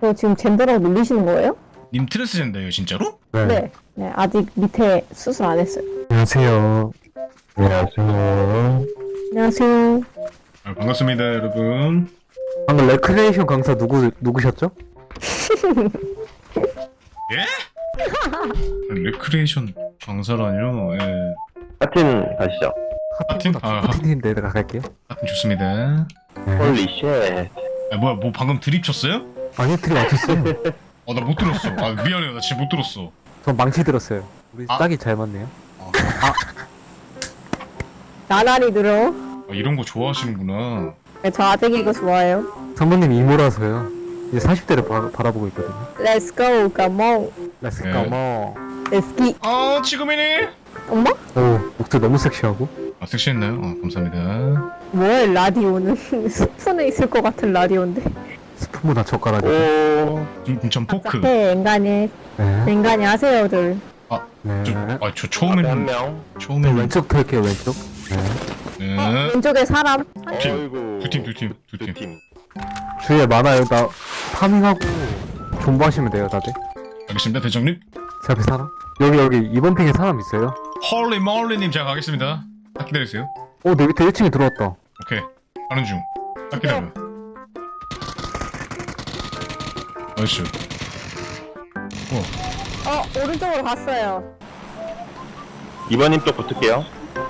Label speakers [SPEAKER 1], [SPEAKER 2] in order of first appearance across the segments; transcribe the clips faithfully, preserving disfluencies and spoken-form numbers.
[SPEAKER 1] 저 지금 젠더라고 놀리시는 거예요?
[SPEAKER 2] 님 트랜스젠더예요 진짜로?
[SPEAKER 3] 네.
[SPEAKER 1] 네. 네, 아직 밑에 수술 안 했어요.
[SPEAKER 3] 안녕하세요. 안녕하세요.
[SPEAKER 1] 안녕하세요.
[SPEAKER 2] 아, 반갑습니다 여러분.
[SPEAKER 3] 방금 레크레이션 강사 누구 누구셨죠?
[SPEAKER 2] 예? 레크레이션 강사라뇨. 예.
[SPEAKER 4] 하틴 가시죠.
[SPEAKER 2] 하틴? 아, 하-
[SPEAKER 3] 하틴인데 내가 갈게요.
[SPEAKER 2] 하여튼 좋습니다.
[SPEAKER 3] 네.
[SPEAKER 4] 홀리 쉣.
[SPEAKER 2] 아 뭐야 뭐 방금 드립 쳤어요?
[SPEAKER 3] 아니 틀이 맞췄어요.
[SPEAKER 2] 어 나 못 들었어. 아 미안해요 나 진짜 못 들었어.
[SPEAKER 3] 전 망치 들었어요. 우리
[SPEAKER 2] 아.
[SPEAKER 3] 딱이 잘 맞네요.
[SPEAKER 1] 나날이 들어.
[SPEAKER 2] 아, 이런 거 좋아하시는구나.
[SPEAKER 1] 네, 저 아직 이거 좋아해요.
[SPEAKER 3] 성모님 이모라서요. 이제 사십 대를 바, 바라보고 있거든요.
[SPEAKER 1] Let's go, come on.
[SPEAKER 3] 렛츠
[SPEAKER 2] 네.
[SPEAKER 3] 고.
[SPEAKER 1] Let's go.
[SPEAKER 2] 아 지금이니?
[SPEAKER 1] 엄마?
[SPEAKER 3] 오 목소리 너무 섹시하고.
[SPEAKER 2] 아 섹시했나요? 아 감사합니다.
[SPEAKER 1] 뭐야, 라디오는. 스푼에 있을 것 같은 라디오인데.
[SPEAKER 3] 스푼보다 젓가락이.
[SPEAKER 4] 오.
[SPEAKER 2] 인천 포크.
[SPEAKER 1] 네, 인간이.
[SPEAKER 3] 네.
[SPEAKER 1] 인간이 하세요들.
[SPEAKER 3] 네.
[SPEAKER 2] 저, 아, 저
[SPEAKER 4] 앞에 한
[SPEAKER 2] 처음에는
[SPEAKER 4] 명.
[SPEAKER 3] 네,
[SPEAKER 2] 처음에는
[SPEAKER 3] 왼쪽 털게요 왼쪽. 네.
[SPEAKER 2] 네.
[SPEAKER 1] 왼쪽에 사람.
[SPEAKER 2] 팀.
[SPEAKER 4] 어이구.
[SPEAKER 2] 두 팀, 두 팀, 두 팀.
[SPEAKER 4] 두 팀.
[SPEAKER 3] 주위에 많아요. 나 파밍하고 존버하시면 돼요 다들.
[SPEAKER 2] 알겠습니다 대장님.
[SPEAKER 3] 제 앞에 사람. 여기 여기 이번 핑에 사람 있어요.
[SPEAKER 2] 헐리 멀리님 제가 가겠습니다. 딱 기다리세요.
[SPEAKER 3] 오 내 밑에 일 층에 들어왔다.
[SPEAKER 2] 오케이 가는 중. 딱 기다려. 나이스. 어.
[SPEAKER 1] 어, 오른쪽으로 갔어요.
[SPEAKER 4] 이번님 또 붙을게요.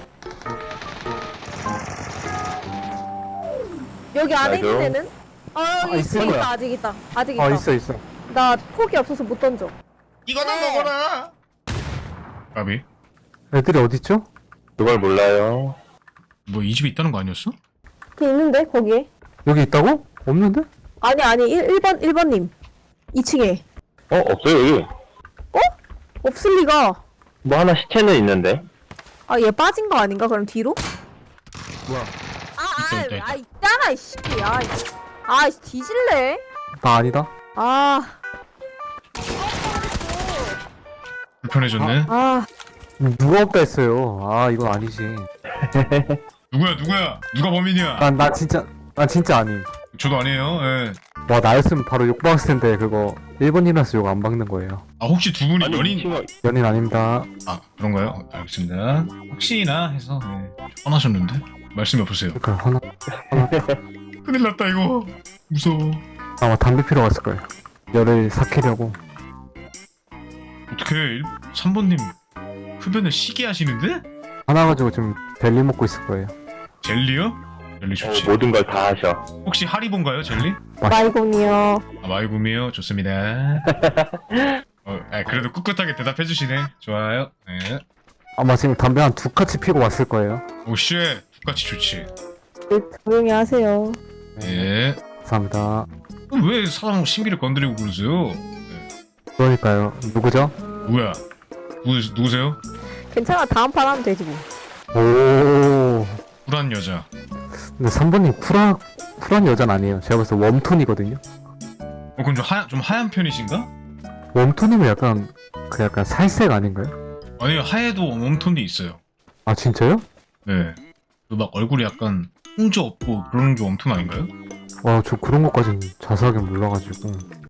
[SPEAKER 1] 여기 안에 있는
[SPEAKER 4] 맞아요.
[SPEAKER 1] 애는? 어, 여기
[SPEAKER 3] 아,
[SPEAKER 1] 있어,
[SPEAKER 3] 있을
[SPEAKER 1] 있다.
[SPEAKER 3] 거야.
[SPEAKER 1] 아직 있다. 아직 있다.
[SPEAKER 3] 아 있어 있어.
[SPEAKER 1] 나 폭이 없어서 못 던져.
[SPEAKER 2] 이거나
[SPEAKER 1] 네.
[SPEAKER 2] 먹어라. 까비.
[SPEAKER 3] 애들이 어딨죠?
[SPEAKER 4] 그걸 몰라요.
[SPEAKER 2] 뭐 이 집에 있다는 거 아니었어?
[SPEAKER 1] 그 있는데, 거기에.
[SPEAKER 3] 여기 있다고? 없는데?
[SPEAKER 1] 아니, 아니, 일 번, 일 번님. 이 층에.
[SPEAKER 4] 어 없어요 여기.
[SPEAKER 1] 없을 리가.
[SPEAKER 4] 뭐 하나 시체는 있는데.
[SPEAKER 1] 아, 얘 빠진 거 아닌가? 그럼 뒤로?
[SPEAKER 3] 뭐야?
[SPEAKER 1] 아,
[SPEAKER 2] 있다, 있다, 있다.
[SPEAKER 1] 아, 아, 있잖아, 이 새끼. 아, 이- 아, 이 뒤질래?
[SPEAKER 3] 나 아니다.
[SPEAKER 1] 아,
[SPEAKER 2] 불편해졌네.
[SPEAKER 1] 아,
[SPEAKER 3] 누가 없다 했어요. 아 이건 아니지.
[SPEAKER 2] 누구야 누구야? 누가 범인이야?
[SPEAKER 3] 난 나 진짜 난 진짜 아님.
[SPEAKER 2] 저도 아니에요. 예.
[SPEAKER 3] 와 나였으면 바로 욕 박았을 텐데 그거 일본이라서 욕 안 박는 거예요.
[SPEAKER 2] 아 혹시 두 분이
[SPEAKER 4] 아니
[SPEAKER 2] 연인?
[SPEAKER 4] 이 친구
[SPEAKER 3] 연인 아닙니다.
[SPEAKER 2] 아 그런가요? 어, 알겠습니다. 혹시나 해서 네. 화나셨는데 말씀이 없으세요.
[SPEAKER 3] 그러니까 하나
[SPEAKER 2] 큰일 났다 이거. 무서워.
[SPEAKER 3] 아마 담배 피러 갔을 거예요. 열을 삭히려고.
[SPEAKER 2] 어떻게 삼 번님 흡연을 시게 하시는데?
[SPEAKER 3] 하나 가지고 지금 젤리 먹고 있을 거예요.
[SPEAKER 2] 젤리요? 젤리
[SPEAKER 4] 어,
[SPEAKER 2] 좋지.
[SPEAKER 4] 모든 걸 다 하셔.
[SPEAKER 2] 혹시 하리본가요 젤리?
[SPEAKER 1] 마이곰이요.
[SPEAKER 2] 아 마이구미요. 좋습니다. 어, 아, 그래도 꿋꿋하게 대답해 주시네. 좋아요. 네.
[SPEAKER 3] 아마 지금 담배 한 두 카치 피고 왔을 거예요.
[SPEAKER 2] 오쉣 똑같이 좋지.
[SPEAKER 1] 네, 조용히 하세요.
[SPEAKER 2] 예.
[SPEAKER 3] 감사합니다.
[SPEAKER 2] 그럼 왜 사람 심기를 건드리고 그러세요?
[SPEAKER 3] 그러니까요. 누구죠?
[SPEAKER 2] 누구야? 누구, 누구세요?
[SPEAKER 1] 괜찮아, 다음 판 하면 되지 뭐.
[SPEAKER 3] 오.
[SPEAKER 2] 쿨한 여자.
[SPEAKER 3] 근데 삼 번님 쿨한 쿨한 여자는 아니에요. 제가 봤을 때 웜톤이거든요.
[SPEAKER 2] 어 그럼 좀 하얀 좀 하얀 편이신가?
[SPEAKER 3] 웜톤이면 약간 그 약간 살색 아닌가요?
[SPEAKER 2] 아니요 하얘도 웜톤도 있어요.
[SPEAKER 3] 아 진짜요?
[SPEAKER 2] 네. 그 막 얼굴이 약간 홍조 없고 그런 게 웜톤 아닌가요?
[SPEAKER 3] 와 저 그런 것까진 자세하게 몰라가지고.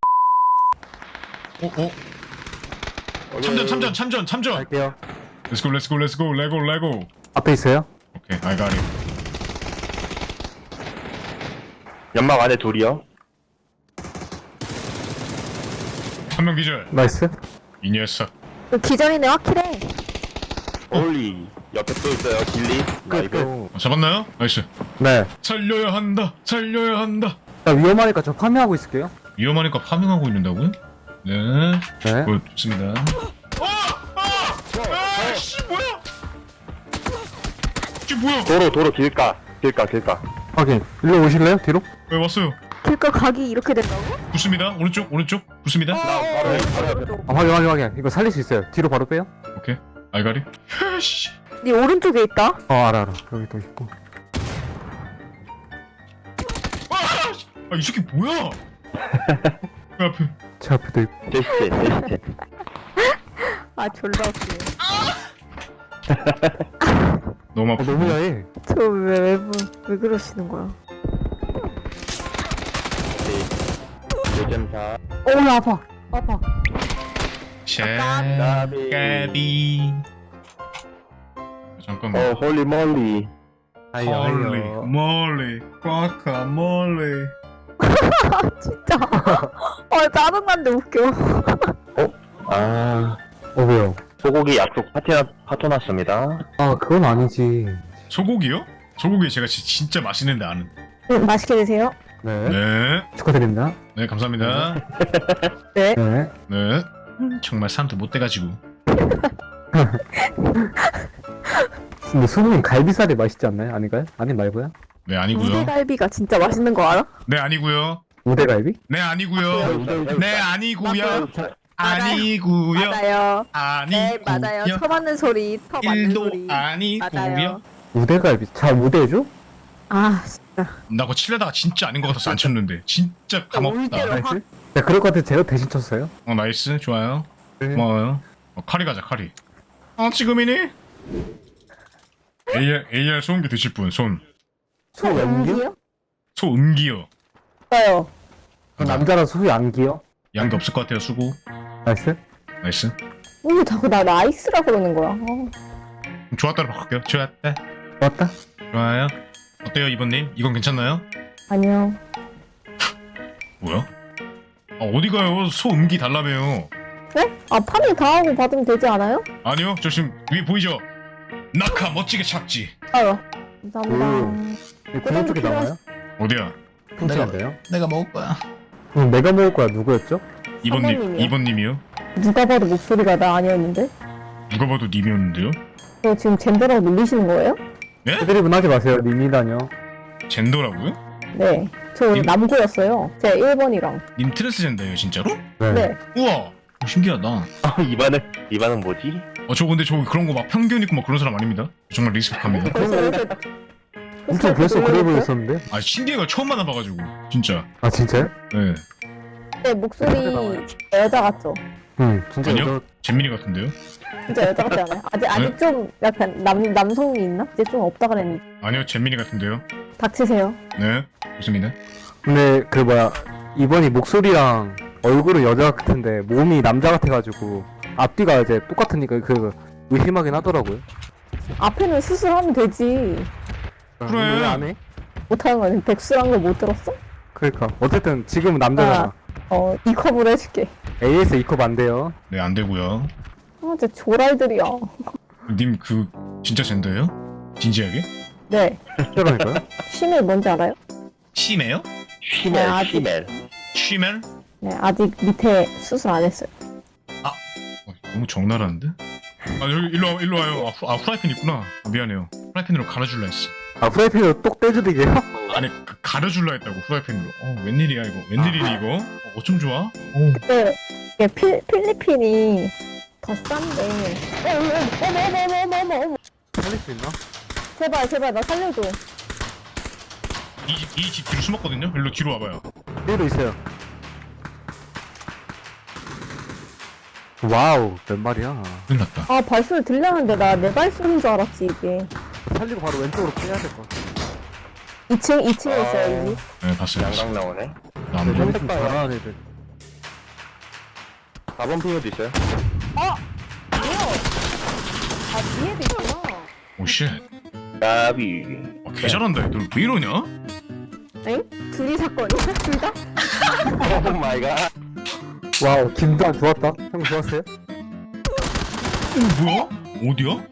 [SPEAKER 2] 어 어? 참전 참전 참전 참전.
[SPEAKER 3] 갈게요.
[SPEAKER 2] Let's go let's go let's go 레고 레고.
[SPEAKER 3] 앞에 있어요?
[SPEAKER 2] 오케이 I got it.
[SPEAKER 4] 연막 안에 둘이요.
[SPEAKER 2] 한 명 기절.
[SPEAKER 3] 나이스.
[SPEAKER 2] 이 녀석.
[SPEAKER 1] 그 기절이네, 확실해.
[SPEAKER 4] 홀리 옆에 또 있어요. 길리. 나이스.
[SPEAKER 2] 어, 잡았나요? 나이스.
[SPEAKER 3] 네.
[SPEAKER 2] 살려야 한다. 살려야 한다.
[SPEAKER 3] 나 위험하니까 저 파밍하고 있을게요.
[SPEAKER 2] 위험하니까 파밍하고 있는다고? 네.
[SPEAKER 3] 네.
[SPEAKER 2] 어, 좋습니다. 어! 아! 아씨 뭐야? 이게 뭐야?
[SPEAKER 4] 도로 도로 길가 길가 길가.
[SPEAKER 3] 확인. 일로 오실래요? 뒤로?
[SPEAKER 2] 왜 왔어요?
[SPEAKER 1] 길가 각이 이렇게 된다고?
[SPEAKER 2] 붙습니다. 오른쪽 오른쪽 붙습니다.
[SPEAKER 4] 바로 옆, 바로 옆에.
[SPEAKER 3] 아 확인 확인 확인. 이거 살릴 수 있어요. 뒤로 바로 빼요.
[SPEAKER 2] 오케이. 알가리. 씨.
[SPEAKER 1] 네 오른쪽에 있다?
[SPEAKER 3] 어 알아 알아. 여기 또 있고.
[SPEAKER 2] 아, 이 새끼 뭐야? 그 앞에.
[SPEAKER 3] 제 앞에도 있고.
[SPEAKER 4] 제 시체 제 시체.
[SPEAKER 1] 아, 졸라 웃기네.
[SPEAKER 2] 너무
[SPEAKER 3] 어,
[SPEAKER 2] 아파.
[SPEAKER 3] 너무 야해.
[SPEAKER 1] 저 왜, 왜, 왜 그러시는 거야?
[SPEAKER 4] 제 오점사.
[SPEAKER 1] 오, 나 아파. 아파.
[SPEAKER 2] 샤가비. 잠깐만.
[SPEAKER 4] 어, 홀리 몰리.
[SPEAKER 3] 아이요,
[SPEAKER 2] 홀리
[SPEAKER 3] 아이요.
[SPEAKER 2] 몰리 과카몰리.
[SPEAKER 1] 진짜. 아, 짜증난데 웃겨.
[SPEAKER 4] 아,
[SPEAKER 3] 어, 왜요?
[SPEAKER 4] 소고기 약속 파티, 파토 났습니다.
[SPEAKER 3] 아, 그건 아니지.
[SPEAKER 2] 소고기요? 소고기 제가 지- 진짜 맛있는데 아는.
[SPEAKER 1] 음, 맛있게 드세요.
[SPEAKER 3] 네.
[SPEAKER 2] 네.
[SPEAKER 3] 축하드립니다.
[SPEAKER 2] 네 감사합니다.
[SPEAKER 1] 네.
[SPEAKER 3] 네.
[SPEAKER 2] 네. 음, 정말 사람도 못 돼가지고.
[SPEAKER 3] 근데 수능은 갈비살이 맛있지 않나요? 아닌가요? 아니 말고요?
[SPEAKER 2] 네 아니고요.
[SPEAKER 1] 우대갈비가 진짜 맛있는 거 알아?
[SPEAKER 2] 네 아니고요.
[SPEAKER 3] 우대갈비?
[SPEAKER 2] 네 아니고요. 네 아니고요.
[SPEAKER 1] 맞아요.
[SPEAKER 2] 아니고요.
[SPEAKER 1] 맞아요. 네,
[SPEAKER 2] 아니고요.
[SPEAKER 1] 맞아요. 터 맞는 소리, 터 맞는
[SPEAKER 2] 일도
[SPEAKER 1] 소리.
[SPEAKER 2] 아니고요.
[SPEAKER 1] 맞아요.
[SPEAKER 3] 우대갈비 잘 우대해줘?
[SPEAKER 1] 아, 진짜.
[SPEAKER 2] 나 그거 칠려다가 진짜 아닌 것 같아서 안 쳤는데 진짜 감없다.
[SPEAKER 1] 울대로 확.
[SPEAKER 3] 나이스? 야 그럴 것 같아 제가 대신 쳤어요.
[SPEAKER 2] 어 나이스 좋아요.
[SPEAKER 3] 네.
[SPEAKER 2] 고마워요. 어, 카리 가자 카리. 아 지금이니? 에이알 에이알 소음기 드실 분 손.
[SPEAKER 3] 소염기요?
[SPEAKER 2] 소음기요.
[SPEAKER 1] 있어요.
[SPEAKER 3] 남자라 소위 안기요?
[SPEAKER 2] 양도 없을 것 같아요 수고.
[SPEAKER 3] 나이스?
[SPEAKER 2] 나이스.
[SPEAKER 1] 왜 자꾸 나 나이스라 그러는 거야? 어.
[SPEAKER 2] 좋았다로 바꿀게요. 좋았다.
[SPEAKER 3] 맞다?
[SPEAKER 2] 좋아요. 어때요 이번님? 이건 괜찮나요?
[SPEAKER 1] 아니요.
[SPEAKER 2] 뭐야? 아 어디 가요? 소음기 달라며요.
[SPEAKER 1] 네? 아, 파밍 다 하고 받으면 되지 않아요?
[SPEAKER 2] 아니요 저 지금 위에 보이죠? 낙하 멋지게 착지.
[SPEAKER 1] 아유. 감사합니다.
[SPEAKER 3] 음. 구멍 쪽에 나와요?
[SPEAKER 2] 어디야?
[SPEAKER 3] 훔치는데요?
[SPEAKER 2] 내가 먹을 거야.
[SPEAKER 3] 그럼 내가 먹을 거야 누구였죠?
[SPEAKER 2] 이번님
[SPEAKER 1] 사모님이요.
[SPEAKER 2] 이번님이요?
[SPEAKER 1] 누가 봐도 목소리가 나 아니었는데?
[SPEAKER 2] 누가 봐도 님이었는데요?
[SPEAKER 1] 저 지금 젠더라고 놀리시는 거예요?
[SPEAKER 2] 네?
[SPEAKER 3] 해드립은 하지 마세요 님이다뇨.
[SPEAKER 2] 젠더라고요?
[SPEAKER 1] 네. 저
[SPEAKER 2] 님-
[SPEAKER 1] 남고였어요. 제가 일 번이랑.
[SPEAKER 2] 님 트랜스젠더예요 진짜로?
[SPEAKER 3] 네.
[SPEAKER 1] 네.
[SPEAKER 2] 우와 어, 신기하다.
[SPEAKER 4] 아, 이반은, 이반은 뭐지?
[SPEAKER 2] 어 저 근데 저 그런 거 막 편견 있고 막 그런 사람 아닙니다. 정말 리스펙합니다.
[SPEAKER 1] 벌써 이렇게.
[SPEAKER 3] 엄청 벌써 그래 보였었는데?
[SPEAKER 2] 아 신기해가 처음 만나봐가지고 진짜.
[SPEAKER 3] 아 진짜요?
[SPEAKER 2] 네.
[SPEAKER 1] 네, 목소리 여자 같죠?
[SPEAKER 3] 응 진짜
[SPEAKER 2] 아니요?
[SPEAKER 3] 여자
[SPEAKER 2] 잼민이 같은데요?
[SPEAKER 1] 진짜 여자 같지 않아요? 아직, 아직
[SPEAKER 2] 네?
[SPEAKER 1] 좀 약간 남, 남성미 있나? 이제 좀 없다 그랬는데.
[SPEAKER 2] 아니요 잼민이 같은데요?
[SPEAKER 1] 닥치세요.
[SPEAKER 2] 네 좋습니다.
[SPEAKER 3] 근데 그 뭐야 이번이 목소리랑 얼굴은 여자 같은데 몸이 남자 같아가지고 앞뒤가 이제 똑같으니까 그 의심하긴 하더라고요.
[SPEAKER 1] 앞에는 수술하면 되지.
[SPEAKER 2] 그래.
[SPEAKER 3] 왜안 해?
[SPEAKER 1] 못하는 거는 백수란 걸 못 들었어?
[SPEAKER 3] 그러니까 어쨌든 지금은 남자잖아.
[SPEAKER 1] 어, 이 컵으로 해줄게.
[SPEAKER 3] 에이에스 이 컵 안 돼요.
[SPEAKER 2] 네 안 되고요.
[SPEAKER 1] 아, 진짜 조랄들이야.
[SPEAKER 2] 님 그 진짜 젠더예요? 진지하게?
[SPEAKER 1] 네.
[SPEAKER 3] 그러니까요.
[SPEAKER 1] 쉬멜 뭔지 알아요?
[SPEAKER 2] 시메요?
[SPEAKER 4] 쉬멜,
[SPEAKER 1] 아, 아직-
[SPEAKER 4] 쉬멜.
[SPEAKER 2] 쉬멜?
[SPEAKER 1] 네, 아직 밑에 수술 안 했어요.
[SPEAKER 2] 어, 너무 적나라한데? 아 여기 일로 와 일로 와요. 아, 후, 아 후라이팬 있구나. 아, 미안해요. 후라이팬으로 갈아줄라 했어.
[SPEAKER 3] 아 프라이팬으로 똑 떼주듯이요?
[SPEAKER 2] 아니 그, 가려줄라 했다고 후라이팬으로. 어 웬일이야 이거? 웬일이니 이거? 어, 어쩜 좋아?
[SPEAKER 1] 네, 이게 필, 필리핀이 더 싼데. 어머, 어머, 어머, 어머, 어머, 어머, 어머.
[SPEAKER 3] 살릴 수 있나?
[SPEAKER 1] 제발, 제발, 나 살려줘.
[SPEAKER 2] 이 집 뒤로 숨었거든요. 일로 뒤로 와봐요.
[SPEAKER 3] 얘도 있어요. 와우 몇 마리야?
[SPEAKER 2] 큰일 났다.
[SPEAKER 1] 아, 발소리 들렸는데 나 내 발소리인 줄 알았지, 이게.
[SPEAKER 3] 살리고 바로 왼쪽으로 빼야 될 것 같아.
[SPEAKER 1] 이 층, 이 층에 있어요, 이 집.
[SPEAKER 2] 네 봤어요. 봤어요.
[SPEAKER 4] 양강 나오네.
[SPEAKER 2] 나안
[SPEAKER 3] 네,
[SPEAKER 2] 보여.
[SPEAKER 3] 좀 잘하는 애들.
[SPEAKER 4] 사 번 핑어도 있어요.
[SPEAKER 1] 뭐야? 아, 뒤에도 있구나.
[SPEAKER 2] 오 쉣.
[SPEAKER 4] 나비.
[SPEAKER 2] 아, 개 잘한다 얘들. 왜 이러냐?
[SPEAKER 1] 엥? 둘이 사건이야? 둘 다?
[SPEAKER 4] 오 마이 갓.
[SPEAKER 3] 와우 김도환 좋았다. 형 좋았어요?
[SPEAKER 2] 어 뭐야? 어디야?